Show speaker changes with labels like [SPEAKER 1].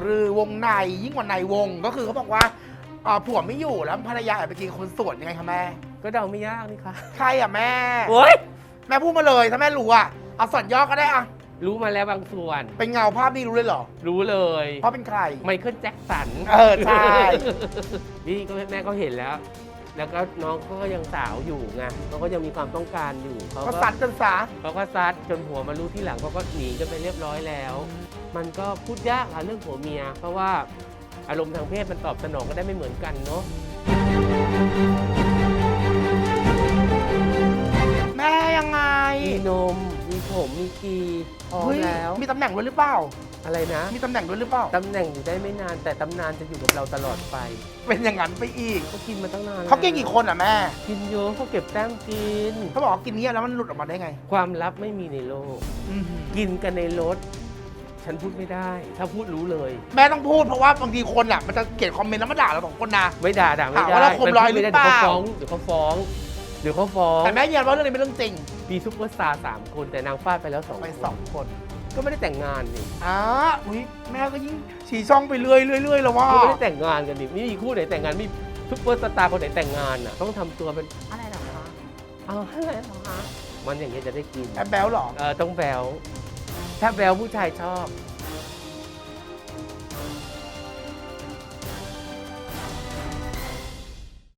[SPEAKER 1] รือวงในยิ่งกว่าในวงก็คือเขาบอกว่าผัวไม่อยู่แล้วภรรยาแอบไปกินคนสวนยังไงคะแม่
[SPEAKER 2] ก็เดาไม่ยากนี่ค่ะ
[SPEAKER 1] ใครอ่ะแม่
[SPEAKER 2] โอ๊ย
[SPEAKER 1] แม่พูดมาเลยถ้าแม่รู้อ่ะเอาส่วนย่อก็ได้อ่ะ
[SPEAKER 2] รู้มาแล้วบางส่วน
[SPEAKER 1] เป็นเงาภาพนี่รู้เลยเหรอ
[SPEAKER 2] รู้เลย
[SPEAKER 1] เพราะเป็นใคร
[SPEAKER 2] ไมเคิลแจ็คสัน
[SPEAKER 1] ใช่
[SPEAKER 2] นี่ก็แม่ก็เห็นแล้ว แล้วก็น้องเขาก็ยังสาวอยู่ไงเขาก็ยังมีความต้องการอยู่เขา
[SPEAKER 1] ก็
[SPEAKER 2] ก็
[SPEAKER 1] ซัดกันซะ
[SPEAKER 2] เขาก็ซัดจนผัวมารู้ที่หลังเขาก็หนีกันไปเรียบร้อยแล้ว มันก็พูดยากค่ะเรื่องผัวเมีย เพราะว่าอารมณ์ทางเพศมันตอบสนองกันได้ไม่เหมือนกันเนาะ
[SPEAKER 1] แม่ยังไง
[SPEAKER 2] มีนม มีผมมีกีพร้อม
[SPEAKER 1] เฮ้ย
[SPEAKER 2] แล้ว
[SPEAKER 1] มีตำแหน่งด้วยหรือเปล่า
[SPEAKER 2] อะไรนะ
[SPEAKER 1] มีตำแหน่งด้วยหรือเปล่า
[SPEAKER 2] ตำแหน่งอยู่ได้ไม่นาน แต่ตำนานจะอยู่กับเราตลอดไป
[SPEAKER 1] เป็นอย่างนั้นไปอีก
[SPEAKER 2] เขากินมาตั้งนาน
[SPEAKER 1] เขากินกี่คนอ่ะแม่
[SPEAKER 2] กินเยอะเขาเก็บแต้มกิน
[SPEAKER 1] เขาบอกว่ากินเนี้ยแล้วมันหลุดออกมาได้ไง
[SPEAKER 2] ความลับไม่มีในโลก
[SPEAKER 1] อือหือ
[SPEAKER 2] กินกันในรถ ฉันพูดไม่ได้ ถ้าพูดรู้เลย
[SPEAKER 1] แม่ต้องพูดเพราะว่าบางทีคนอ่ะมันจะเขียนคอมเมนต์แล้วมาด่าเราสองคนนะ
[SPEAKER 2] ไม่ด่าไม่
[SPEAKER 1] ถาม
[SPEAKER 2] ได้
[SPEAKER 1] ว่าเราข่มรอยหรือเปล่า
[SPEAKER 2] เดี๋ยวเขาฟ้องเดี๋ยวเขาฟ้อง
[SPEAKER 1] แต่แม่ยืนยันว่าเรื่องนี้เป็นเรื่องจริง
[SPEAKER 2] มีซุปเปอร์สตาร์3คนแต่นางฟาดไปแล้ว2
[SPEAKER 1] ไป
[SPEAKER 2] คน
[SPEAKER 1] สองคน
[SPEAKER 2] ก็ไม่ได้แต่งงานนี่
[SPEAKER 1] อุ้ยแม่ก็ยิ่งฉี่ช่องไปเรื่อยแล้วว่า
[SPEAKER 2] ก็ไม่ได้แต่งงานกันนี่ไม่มีคู่ไหนแต่งงานไม่มีซุปเปอร์สตาร์คนไหนแต่งงานอ่ะต้องทำตัวเป็นอะไรเหรอคะเอาอะไรเหรอคะมันอย่างเงี้ยจะได้กิน
[SPEAKER 1] แอบแบลหรอ
[SPEAKER 2] ต้องแบลถ้าแบลผู้ชายชอบ